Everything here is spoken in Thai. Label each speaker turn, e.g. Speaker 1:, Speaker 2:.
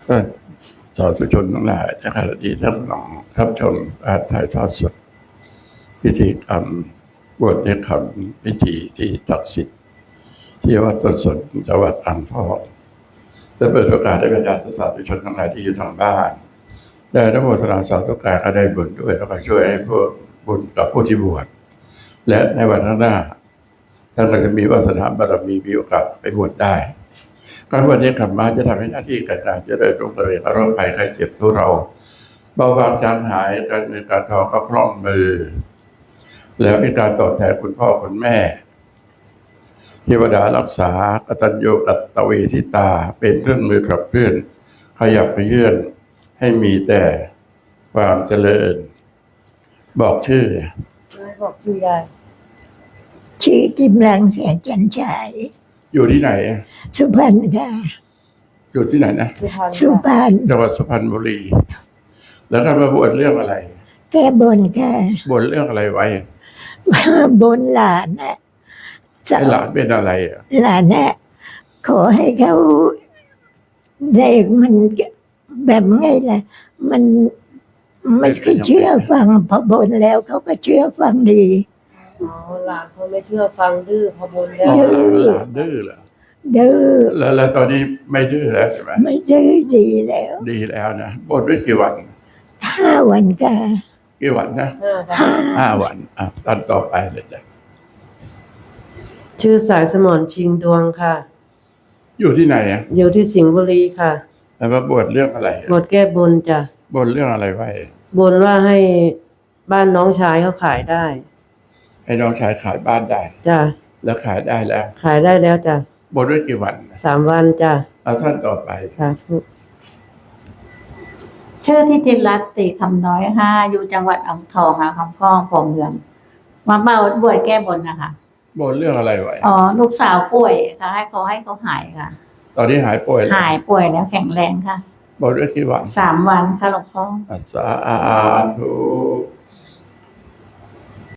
Speaker 1: ท่านสาธุชนทั้งหลายในขณะที่ท่านกำลังรับชมการถ่ายทอดสดพิธีกรรมบวชในคำพิธีที่ศักดิ์สิทธิ์ที่วัดต้นสนจังหวัดอ่างทองและเปิดโอกาสให้บรรดาสาธุชนทั้งหลายที่อยู่ทางบ้านได้รับโมทนาสาธุการก็ได้บุญด้วยแล้วก็ช่วยให้ผู้บุญกับผู้ที่บวชและในวันข้างหน้าท่านก็จะมีวาสนาบารมีมีโอกาสไปบวชได้การบวชนี้กลับมาจะทำให้หน้าที่การงานเจริญรุ่งเรืองโรคภัยไข้เจ็บทุเราเบาบางจางหายการเงินการทองก็คล่องมือแล้วมีการตอบแทนคุณพ่อคุณแม่เทวดารักษากตัญญูกตเวทิตาเป็นเครื่องมือขับเคลื่อนขยับขยื่นให้มีแต่ความเจริญบอกชื่อ
Speaker 2: บอกชื่อยาย
Speaker 3: ชื่อกิมลังแสงจันฉาย
Speaker 1: อยู่ที่ไหน
Speaker 3: สุพรรณค่ะ
Speaker 1: อยู่ที่ไหนนะ
Speaker 3: สุพรรณ
Speaker 1: จังหวัดสุพรรณบุรีแล้วก็มาบวชเรื่องอะไร
Speaker 3: แก้บนค่ะ
Speaker 1: บนเรื่องอะไรไว้
Speaker 3: บนหลานนะ
Speaker 1: หลานเป็นอะไร
Speaker 3: หลานนะขอให้เขาได้มันแบบไงล่ะมันไม่เคยเชื่อฟังพอบนแล้วเขาก็เชื่อฟังดี
Speaker 2: หลานเขาไม่เชื่อฟังดื้อพอบนแล้ว
Speaker 1: หลานดื้อเหรอ
Speaker 3: ดื้อ
Speaker 1: แล้วตอนนี้ไม่ดื้อแล้วใช่ไหม
Speaker 3: ไม่ดื้อดี
Speaker 1: แล้วนะบนไว้กี่วัน
Speaker 3: 5 วันค่ะ
Speaker 1: กี่วันนะ5 วันตอนต่อไปเลยนะ
Speaker 2: ชื่อสายสมรชิงดวงค่ะ
Speaker 1: อยู่ที่ไหน
Speaker 2: อยู่ที่สิงห์บุรีค่ะ
Speaker 1: แล้วมาบวชเรื่องอะไร
Speaker 2: บวชแก้บนจ้ะ
Speaker 1: บนเรื่องอะไรไว้
Speaker 2: บนว่าให้บ้านน้องชายเขาขายได้
Speaker 1: ให้น้องชายขายบ้านได้
Speaker 2: จ้ะ
Speaker 1: แล้วขายได้แล้ว
Speaker 2: ขายได้แล้วจ้ะ
Speaker 1: บนไว้กี่วัน
Speaker 2: 3 วันจ้ะ
Speaker 1: เอาท่านต่อไป
Speaker 2: ค่ะ
Speaker 4: ชื่อที่จินรัตน์ติคำน้อยอยู่จังหวัดอ่างทองค่ะคำพ้องผมเมืองมาบวชแก้บนนะคะ
Speaker 1: บนเรื่องอะไรไว้
Speaker 4: ลูกสาวป่วยค่ะให้เขาหายค่ะ
Speaker 1: ตอนนี้หายป่วย
Speaker 4: แล้วแข็งแรงค่ะ
Speaker 1: บนไว้กี่วัน
Speaker 4: 3 วันค่ะหลวงพ่อ
Speaker 1: สาธุ